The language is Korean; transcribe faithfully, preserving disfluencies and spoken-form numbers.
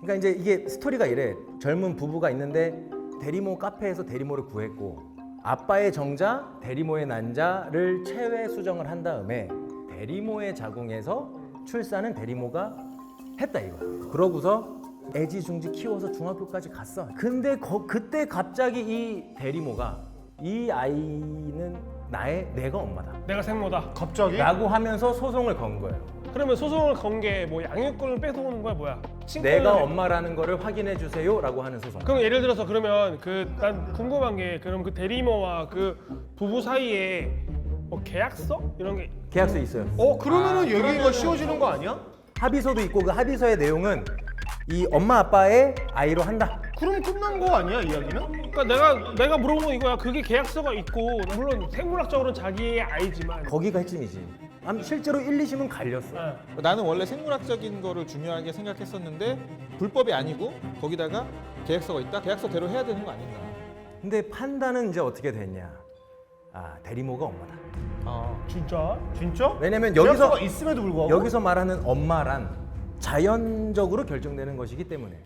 그러니까 이제 이게 스토리가 이래. 젊은 부부가 있는데 대리모 카페에서 대리모를 구했고 아빠의 정자, 대리모의 난자를 체외 수정을 한 다음에 대리모의 자궁에서 출산은 대리모가 했다 이거. 그러고서 애지중지 키워서 중학교까지 갔어. 근데 거, 그때 갑자기 이 대리모가 이 아이는 나의 내가 엄마다 내가 생모다. 갑자기? 라고 하면서 소송을 건 거예요. 그러면 소송을 건 게 뭐 양육권을 뺏어오는 거야 뭐야? 친권을 내가 내- 엄마라는 거를 확인해 주세요 라고 하는 소송. 그럼 예를 들어서 그러면 그 난 궁금한 게 그럼 그 대리모와 그 부부 사이에 뭐 계약서 이런 게 계약서 있어요. 어 그러면은 얘기가 쉬워지는 거 아니야? 합의서도 있고 그 합의서의 내용은 이 엄마 아빠의 아이로 한다. 그럼 끝난 거 아니야 이야기는? 그러니까 내가 내가 물어본 건 이거야. 그게 계약서가 있고 물론 생물학적으로는 자기의 아이지만 거기가 핵심이지. 아니, 실제로 일, 이 심은 갈렸어. 네. 나는 원래 생물학적인 거를 중요하게 생각했었는데 불법이 아니고 거기다가 계약서가 있다? 계약서대로 해야 되는 거 아닌가? 근데 판단은 이제 어떻게 됐냐? 아 대리모가 엄마다. 아, 진짜? 진짜? 왜냐면 여기서 계약서가 있음에도 불구하고 여기서 말하는 엄마란 자연적으로 결정되는 것이기 때문에